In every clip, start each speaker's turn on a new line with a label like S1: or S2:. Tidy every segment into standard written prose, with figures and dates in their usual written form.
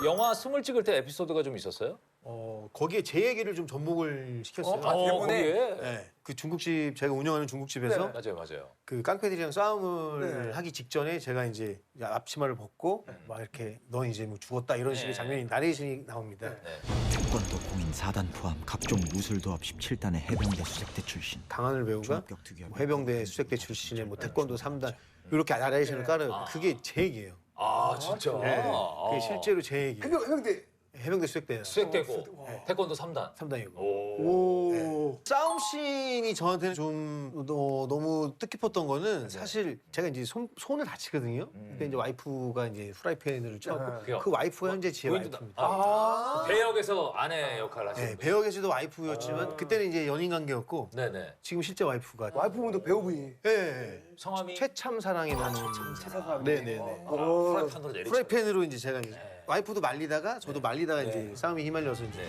S1: 영화 스물 찍을 때 에피소드가 좀 있었어요?
S2: 거기에 제 얘기를 좀 접목을 시켰어요.
S1: 대본에?
S2: 네. 그 중국집 제가 운영하는 중국집에서
S1: 맞아요.
S2: 그 깡패들이랑 싸움을 하기 직전에 제가 이제 앞치마를 벗고 막 이렇게 넌 이제 뭐 죽었다 이런 식의 장면이 나레이션이 나옵니다.
S3: 태권도 공인 4단 포함 각종 무술도합 17단의 해병대 수색대 출신.
S2: 강하늘 배우가
S3: 종합격 특유의
S2: 뭐 해병대 수색대 출신의 뭐 태권도 3단 이렇게 나레이션을 깔아요. 그게 제 얘기예요.
S1: 아 진짜.
S2: 그게 실제로 제 얘기예요. 해병대 수색대
S1: 수색되고 태권도 3단.
S2: 3단이고.
S1: 오.
S2: 싸움 씬이 저한테는 좀 너무 뜻깊었던 거는 사실 제가 이제 손을 다치거든요. 그때 이제 와이프가 이제 프라이팬을 쪄고 그 와이프가 현재 제 와이프입니다.
S1: 배역에서 아내 역할을 하시는
S2: 네, 배역에서도 와이프였지만 그때는 이제 연인 관계였고
S1: 네네.
S2: 지금 실제 와이프가
S4: 와이프분도 배우분이.
S2: 네.
S1: 성함이
S2: 최참 사랑이라는 네네네.
S1: 프라이팬으로 내리죠.
S2: 프라이팬으로 이제 제가 이제 와이프도 말리다가 저도 말리다가 이제 싸움이 휘말려서 이제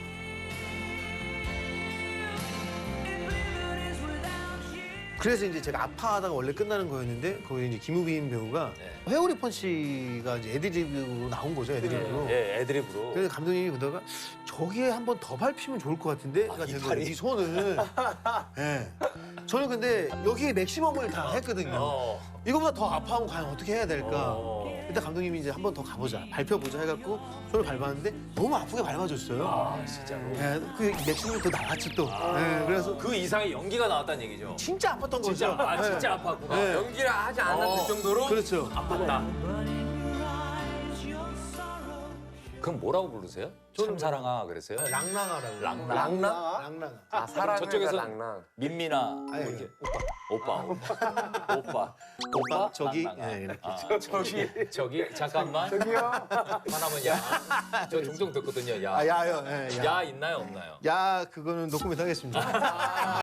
S2: 그래서 이제 제가 아파하다가 원래 끝나는 거였는데 거기 이제 김우빈 배우가 회오리 펀치가 이제 애드립으로 나온 거죠, 애드립으로.
S1: 예, 애드립으로.
S2: 그래서 감독님이 보다가 저기에 한 번 더 밟히면 좋을 것 같은데 그러니까 된 거예요, 이 손을. 예. 저는 근데 여기에 맥시멈을 다 했거든요. 이거보다 더 아파하면 과연 어떻게 해야 될까? 일단 감독님이 이제 한 번 더 가보자, 밟혀보자 해갖고 손을 밟았는데 너무 아프게 밟아줬어요.
S1: 아 진짜로.
S2: 예, 그 맥시멈이 더 나왔지 또. 예, 그래서
S1: 그 이상의 연기가 나왔다는 얘기죠.
S2: 진짜 아팠던 거죠.
S1: 진짜 아팠구나.
S2: 네.
S5: 연기를 하지 않았을 정도로
S2: 그렇죠.
S1: 아팠다. 그럼 뭐라고 부르세요? 참사랑아 그랬어요?
S2: 랑랑하라고.
S1: 랑랑?
S2: 랑랑하.
S5: 아, 사랑을
S1: 저쪽에서
S5: 랑랑.
S1: 민민아
S2: 아니,
S1: 뭐 이렇게 오빠
S2: 저기.
S1: 랑랑아.
S2: 예, 이렇게.
S1: 저기 잠깐만
S4: 저기요.
S1: 하나면 야저 종종 듣거든요. 야.
S2: 아, 야요. 예, 야.
S1: 야 있나요 없나요?
S2: 야, 그거는 노코멘트 하겠습니다.